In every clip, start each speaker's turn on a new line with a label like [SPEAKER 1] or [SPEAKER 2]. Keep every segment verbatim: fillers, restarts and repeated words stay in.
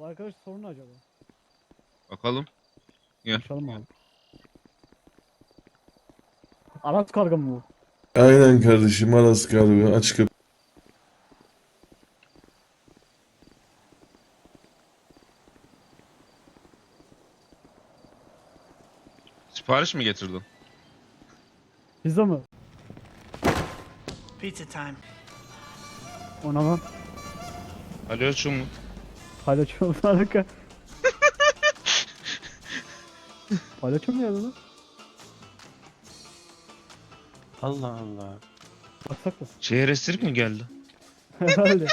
[SPEAKER 1] Bu arkadaş sorun ne acaba?
[SPEAKER 2] Bakalım. Gel.
[SPEAKER 1] Konuşalım abi. Aras karga mı bu?
[SPEAKER 3] Aynen kardeşim, Aras kargo aç kapı.
[SPEAKER 2] Sipariş mi getirdin?
[SPEAKER 1] Pizza mı?
[SPEAKER 4] Pizza time.
[SPEAKER 1] Ona lan.
[SPEAKER 2] Alo şu mu?
[SPEAKER 1] Palyaço mu harika. Palyaço mu geldi lan?
[SPEAKER 5] Allah Allah.
[SPEAKER 1] Baksak mı?
[SPEAKER 2] Şehir esirk mi geldi?
[SPEAKER 1] Herhalde.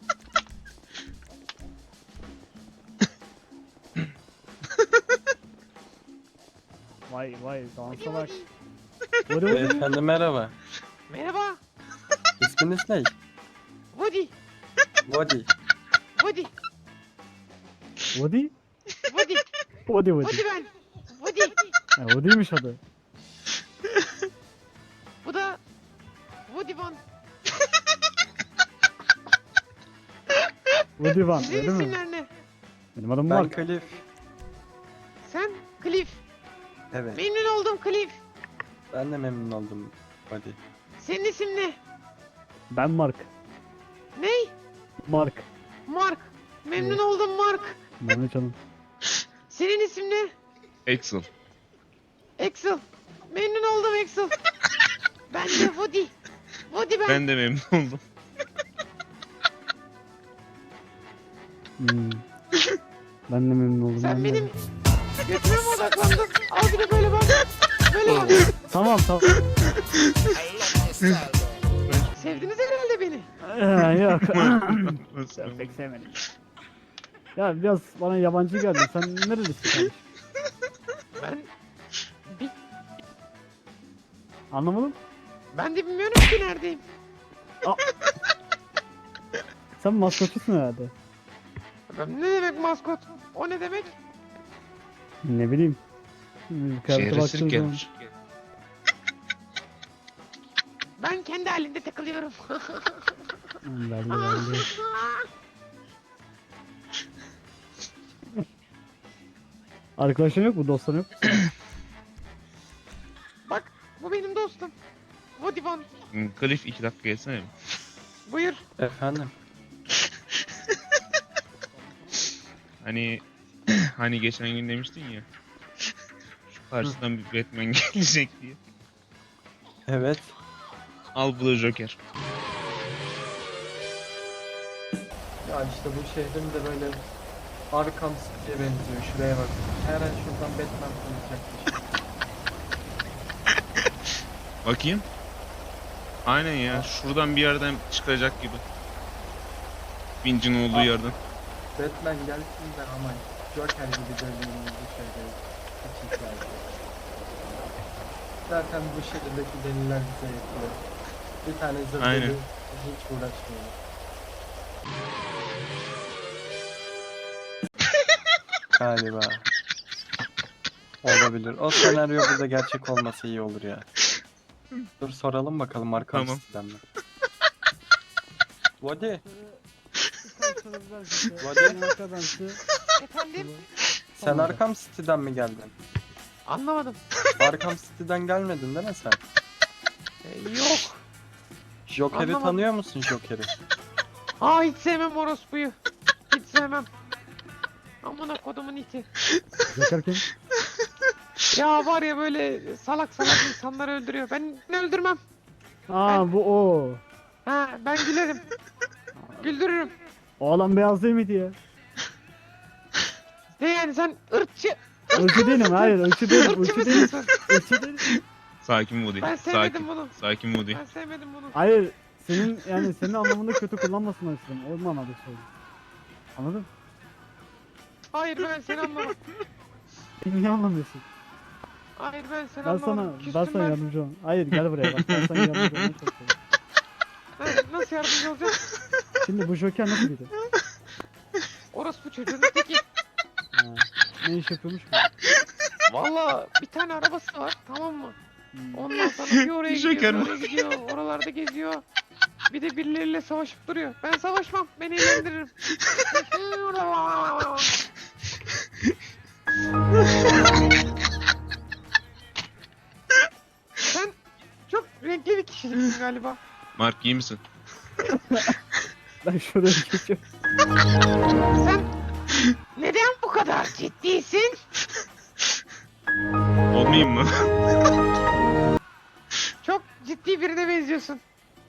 [SPEAKER 1] Vay vay dansa bak. Vurdu vurdu.
[SPEAKER 5] Beyefendi merhaba.
[SPEAKER 6] Merhaba.
[SPEAKER 5] İsminiz ne?
[SPEAKER 6] Woody.
[SPEAKER 5] Body.
[SPEAKER 6] Woody.
[SPEAKER 1] Woody?
[SPEAKER 6] Woody.
[SPEAKER 1] Woody Woody.
[SPEAKER 6] Woody ben. Woody.
[SPEAKER 1] Ha, Woody'ymiş adı.
[SPEAKER 6] Bu da Woody Van.
[SPEAKER 1] Woody Van
[SPEAKER 6] Sizin
[SPEAKER 1] öyle mi?
[SPEAKER 6] isimler ne?
[SPEAKER 1] Benim adım
[SPEAKER 5] Ben
[SPEAKER 1] Mark.
[SPEAKER 5] Cliff.
[SPEAKER 6] Sen Cliff.
[SPEAKER 5] Evet.
[SPEAKER 6] Memnun oldum Cliff.
[SPEAKER 5] Ben de memnun oldum Body.
[SPEAKER 6] Senin isim ne?
[SPEAKER 1] Ben Mark.
[SPEAKER 6] Ney?
[SPEAKER 1] Mark.
[SPEAKER 6] Mark. Memnun
[SPEAKER 1] Evet.
[SPEAKER 6] oldum Mark.
[SPEAKER 1] Mehmet canım.
[SPEAKER 6] Senin isim ne?
[SPEAKER 2] Axel.
[SPEAKER 6] Axel. Memnun oldum Axel. Ben de Woody. Woody ben.
[SPEAKER 2] Ben de memnun oldum.
[SPEAKER 1] Hmm. Ben de memnun oldum.
[SPEAKER 6] Sen
[SPEAKER 1] ben de.
[SPEAKER 6] benim götüme mi odaklandın? Al bir de böyle bak. Böyle bak.
[SPEAKER 1] Tamam tamam.
[SPEAKER 6] Sevdiniz herhalde beni.
[SPEAKER 1] Ee, yok. Ben pek sevmedim. Ya biraz bana yabancı geldi. Sen nerelisin kardeşim?
[SPEAKER 6] Ben bir,
[SPEAKER 1] Anlamadım.
[SPEAKER 6] ben de bilmiyorum ki neredeyim.
[SPEAKER 1] Sen maskotçusun herhalde.
[SPEAKER 6] Ben ne demek maskot? O ne demek?
[SPEAKER 1] Ne bileyim. Hmm,
[SPEAKER 2] Şehir
[SPEAKER 1] kıyafete
[SPEAKER 2] esirk
[SPEAKER 1] baktığım zaman.
[SPEAKER 2] gelmiş.
[SPEAKER 6] Ben kendi halinde takılıyorum.
[SPEAKER 1] Hmm, belli belli. Arkadaşın yok mu? Dostların yok mu?
[SPEAKER 6] Bak bu benim dostum. Woody Van.
[SPEAKER 2] Hmm, Cliff iki dakika gelsene.
[SPEAKER 6] Buyur.
[SPEAKER 5] Efendim.
[SPEAKER 2] Hani hani geçen gün demiştin ya. Şu karşıdan bir Batman gelecek diye.
[SPEAKER 5] Evet.
[SPEAKER 2] Al bu da Joker.
[SPEAKER 5] Ya işte bu şehrin de böyle Arkham City'ye benziyor. Şuraya bak. Her an şuradan Batman konuşacakmış.
[SPEAKER 2] Bakayım. Aynen ya. Şuradan bir yerden çıkacak gibi. Vinci'nin olduğu yerden.
[SPEAKER 5] Batman gelsin de ama Joker gibi görünüyor bu şehre. Hiç ihtiyacı yok. Zaten bu şehirdeki deliler bize yetiyor. Bir tane zırh
[SPEAKER 2] Aynen.
[SPEAKER 5] deli hiç uğraşmıyor. Galiba. Olabilir. O senaryo burada gerçek olması iyi olur ya. Dur soralım bakalım Arkham
[SPEAKER 2] Tamam.
[SPEAKER 5] City'den mi? Body.
[SPEAKER 6] Efendim?
[SPEAKER 5] Sen
[SPEAKER 1] Tamam.
[SPEAKER 5] Arkham City'den mi geldin?
[SPEAKER 6] Anlamadım.
[SPEAKER 5] Arkham City'den gelmedin değil mi sen?
[SPEAKER 6] Ee, yok.
[SPEAKER 5] Joker'i
[SPEAKER 6] Anlamadım.
[SPEAKER 5] tanıyor musun Joker'i?
[SPEAKER 6] Aa hiç sevmem orospuyu. Hiç sevmem. Amına kodumun iti.
[SPEAKER 1] Joker kim?
[SPEAKER 6] Ya var ya böyle salak salak insanları öldürüyor. Ben öldürmem.
[SPEAKER 1] Aa bu o.
[SPEAKER 6] Ha ben gülerim. Güldürürüm.
[SPEAKER 1] O adam beyaz değil miydi ya?
[SPEAKER 6] Ne yani sen ırkçı.
[SPEAKER 1] Ölçü değilim hayır ölçü değilim
[SPEAKER 6] Irkçı
[SPEAKER 1] ölçü değilim.
[SPEAKER 6] mısın?
[SPEAKER 1] Ölçü değilim.
[SPEAKER 2] Sakin Woody.
[SPEAKER 6] Ben sevmedim
[SPEAKER 2] Sakin.
[SPEAKER 6] bunu.
[SPEAKER 2] Sakin Woody.
[SPEAKER 6] Ben sevmedim bunu.
[SPEAKER 1] Hayır senin yani senin anlamında kötü kullanmasınlar istedim. O manada söyledim. Anladın?
[SPEAKER 6] Hayır ben seni anlamam.
[SPEAKER 1] Beni niye anlamıyorsun?
[SPEAKER 6] Hayır ben seni
[SPEAKER 1] Ben
[SPEAKER 6] anlamam.
[SPEAKER 1] sana
[SPEAKER 6] Küstüm
[SPEAKER 1] ben sana yardımcı olayım. Hayır gel buraya bak ben sana yardımcı olmaya çalışıyorum.
[SPEAKER 6] Ha, nasıl yardımcı olacağım?
[SPEAKER 1] Şimdi bu Joker nasıl biri?
[SPEAKER 6] Orospu çocuğun teki.
[SPEAKER 1] Ha, ne iş yapıyormuş bu?
[SPEAKER 6] Valla bir tane arabası var tamam mı?
[SPEAKER 1] Hmm.
[SPEAKER 6] Ondan sonra bir oraya gidiyor,
[SPEAKER 2] Joker
[SPEAKER 6] bir
[SPEAKER 2] mi?
[SPEAKER 6] oraya gidiyor, oralarda geziyor. Bir de birileriyle savaşıp duruyor. Ben savaşmam, beni eğlendiririm. galiba.
[SPEAKER 2] Mark iyi misin?
[SPEAKER 1] Ben şuraya geçiyorum.
[SPEAKER 6] Sen neden bu kadar ciddisin?
[SPEAKER 2] Olmayayım mı?
[SPEAKER 6] Çok ciddi birine benziyorsun.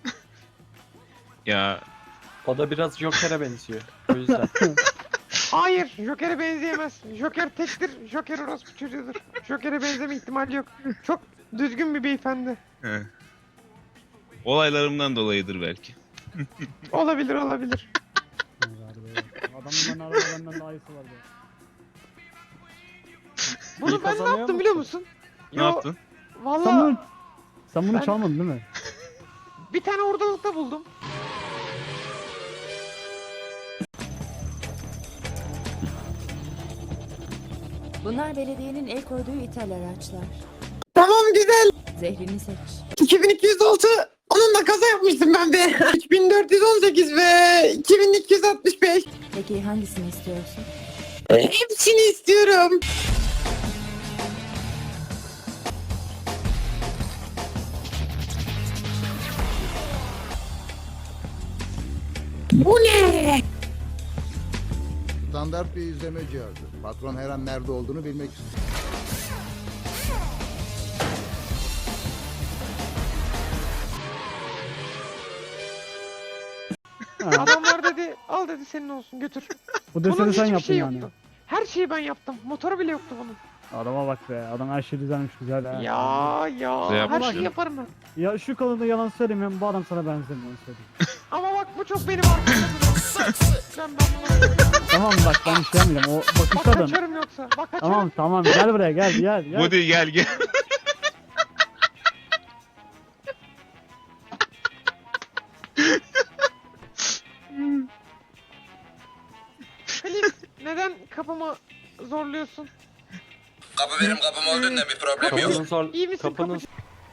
[SPEAKER 2] Ya
[SPEAKER 5] O da biraz Joker'e benziyor. O yüzden.
[SPEAKER 6] Hayır, Joker'e benzeyemez. Joker tektir, Joker orospu çocuğudur. Joker'e benzeme ihtimali yok. Çok düzgün bir beyefendi.
[SPEAKER 2] he. Olaylarımdan dolayıdır belki.
[SPEAKER 6] Olabilir, olabilir.
[SPEAKER 1] Adamın arada benden daha iyisi vardı.
[SPEAKER 6] Bunu
[SPEAKER 5] İyi
[SPEAKER 6] ben ne
[SPEAKER 5] kazanıyor
[SPEAKER 6] yaptım biliyor
[SPEAKER 5] musun?
[SPEAKER 6] musun?
[SPEAKER 2] Ne
[SPEAKER 6] Yo,
[SPEAKER 2] yaptın?
[SPEAKER 1] Sen
[SPEAKER 6] Vallahi
[SPEAKER 1] bunu, sen bunu
[SPEAKER 6] Ben-
[SPEAKER 1] çalmadın değil mi?
[SPEAKER 6] bir tane ortalıkta buldum.
[SPEAKER 4] Bunlar belediyenin el koyduğu ithal araçlar.
[SPEAKER 6] Tamam güzel.
[SPEAKER 4] Zehrini seç.
[SPEAKER 6] iki bin iki yüz altı onunla kaza yapmıştım ben de. üç bin dört yüz on sekiz ve iki bin iki yüz altmış beş.
[SPEAKER 4] Peki hangisini istiyorsun?
[SPEAKER 6] Hepsini istiyorum. Bu ne?
[SPEAKER 7] Standart bir izleme cihazı. Patron her an nerede olduğunu bilmek istiyor.
[SPEAKER 1] Ha,
[SPEAKER 6] Adamlar dedi al dedi senin olsun götür.
[SPEAKER 1] bu
[SPEAKER 6] Bunun
[SPEAKER 1] deseni sen
[SPEAKER 6] hiçbir
[SPEAKER 1] yaptın
[SPEAKER 6] şey
[SPEAKER 1] yani.
[SPEAKER 6] yoktu. Her şeyi ben yaptım. Motoru bile yoktu bunun.
[SPEAKER 1] Adama bak be. Adam her şey düzenmiş güzel ha.
[SPEAKER 6] Ya ya
[SPEAKER 2] Güzel
[SPEAKER 6] her
[SPEAKER 2] yapmış
[SPEAKER 6] şeyi
[SPEAKER 2] ya.
[SPEAKER 6] yaparım ben.
[SPEAKER 1] Ya şu konuda yalan söylemiyorum. Bu adam sana benzemiyor onu söyleyeyim.
[SPEAKER 6] Ama bak bu çok benim arkadaşım. ben ben bunu
[SPEAKER 1] Tamam bak ben şey yapmayacağım. O
[SPEAKER 6] bak
[SPEAKER 1] bakış adam.
[SPEAKER 6] kaçarım yoksa. Bak kaçarım.
[SPEAKER 1] Tamam tamam gel buraya gel gel gel.
[SPEAKER 2] Woody gel gel.
[SPEAKER 6] Halit neden kapımı zorluyorsun?
[SPEAKER 8] Kapı benim kapım olduğundan bir problem yok.
[SPEAKER 5] Kapının zor...
[SPEAKER 6] İyi misin
[SPEAKER 5] Kapının...
[SPEAKER 6] kapıcı?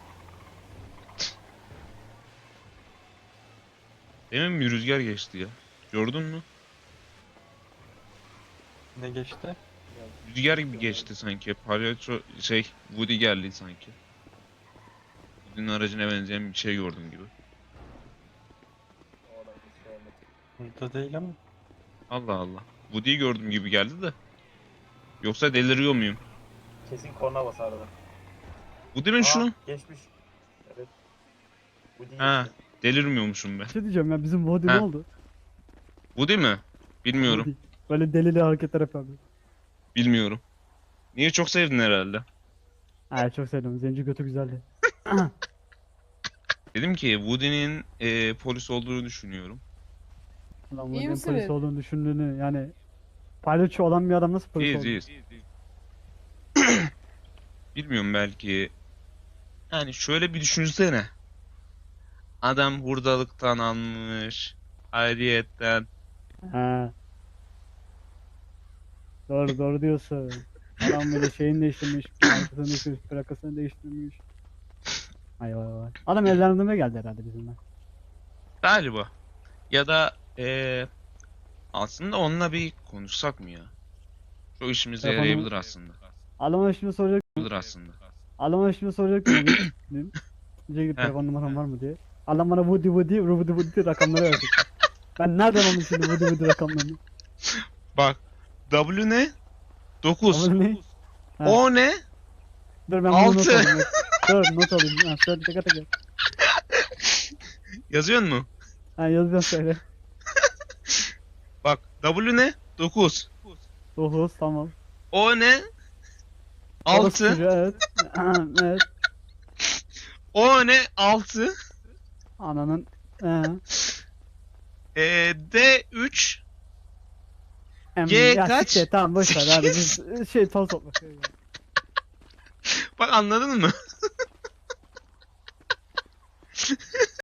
[SPEAKER 2] Demin bir rüzgar geçti ya. Gördün mü?
[SPEAKER 5] Ne geçti?
[SPEAKER 2] Rüzgar gibi geçti sanki. Palyaço şey Woody geldi sanki. Woody'nin aracına benzeyen bir şey gördüm gibi.
[SPEAKER 5] Burada değil ama.
[SPEAKER 2] Allah Allah. Woody'yi gördüm gibi geldi de. Yoksa deliriyor muyum?
[SPEAKER 9] Kesin korna basardı.
[SPEAKER 2] Woody mi şu?
[SPEAKER 9] Geçmiş. Evet. Bu değil.
[SPEAKER 2] Ha, delirmiyormuşum ben.
[SPEAKER 1] Bir şey diyeceğim ya bizim Vodi ne
[SPEAKER 2] Ha.
[SPEAKER 1] oldu?
[SPEAKER 2] Woody mi? Bilmiyorum.
[SPEAKER 1] Vodi. Böyle delili hareketler yapıyor.
[SPEAKER 2] Bilmiyorum. Niye çok sevdin herhalde?
[SPEAKER 1] Ha çok sevdim. Zenci götü güzeldi.
[SPEAKER 2] Dedim ki Woody'nin e, polis olduğunu düşünüyorum.
[SPEAKER 1] Ulan
[SPEAKER 10] İyi
[SPEAKER 1] Vodi'nin
[SPEAKER 10] misin
[SPEAKER 1] polis
[SPEAKER 10] be?
[SPEAKER 1] olduğunu düşündüğünü yani palyaço olan bir adam nasıl polis
[SPEAKER 2] İyiyiz
[SPEAKER 1] oldu?
[SPEAKER 2] iyiyiz. Bilmiyorum belki. Yani şöyle bir düşünsene. Adam hurdalıktan almış. Ayrıyetten.
[SPEAKER 1] Ha. Doğru doğru diyorsun. Adam böyle şeyini değiştirmiş, plakasını değiştirmiş, plakasını değiştirmiş. Ay vay vay. Adam evlendirmeye geldi herhalde bizimle.
[SPEAKER 2] Galiba. Ya da eee aslında onunla bir konuşsak mı ya? Çok işimize
[SPEAKER 1] Yapalım.
[SPEAKER 2] yarayabilir aslında.
[SPEAKER 1] Adama şimdi soracak,
[SPEAKER 2] Yarayabilir aslında.
[SPEAKER 1] adama şimdi soracak mı? Diyecek ki telefon numaram var mı diye. Adam bana Woody Woody, Woody Woody rakamları verecek. Ben nereden aldım şimdi Woody Woody rakamlarını?
[SPEAKER 2] Bak. W ne? dokuz.
[SPEAKER 1] Ama ne? Ha.
[SPEAKER 2] O ne?
[SPEAKER 1] Dur ben bunu not
[SPEAKER 2] Altı.
[SPEAKER 1] alayım. Dur not alayım. Ha, söyle tek tek.
[SPEAKER 2] Yazıyor mu?
[SPEAKER 1] Ha yazacağım söyle.
[SPEAKER 2] Bak. W ne? dokuz.
[SPEAKER 1] dokuz tamam.
[SPEAKER 2] O ne?
[SPEAKER 1] Orası
[SPEAKER 2] altı.
[SPEAKER 1] çocuğu, evet. Ha, evet.
[SPEAKER 2] O ne? altı.
[SPEAKER 1] Ananın. Ee,
[SPEAKER 2] Eee D üç.
[SPEAKER 1] em,
[SPEAKER 2] G
[SPEAKER 1] ya
[SPEAKER 2] kaç?
[SPEAKER 1] siktir, tamam boş ver hadi biz şey toz topla.
[SPEAKER 2] Bak anladın mı?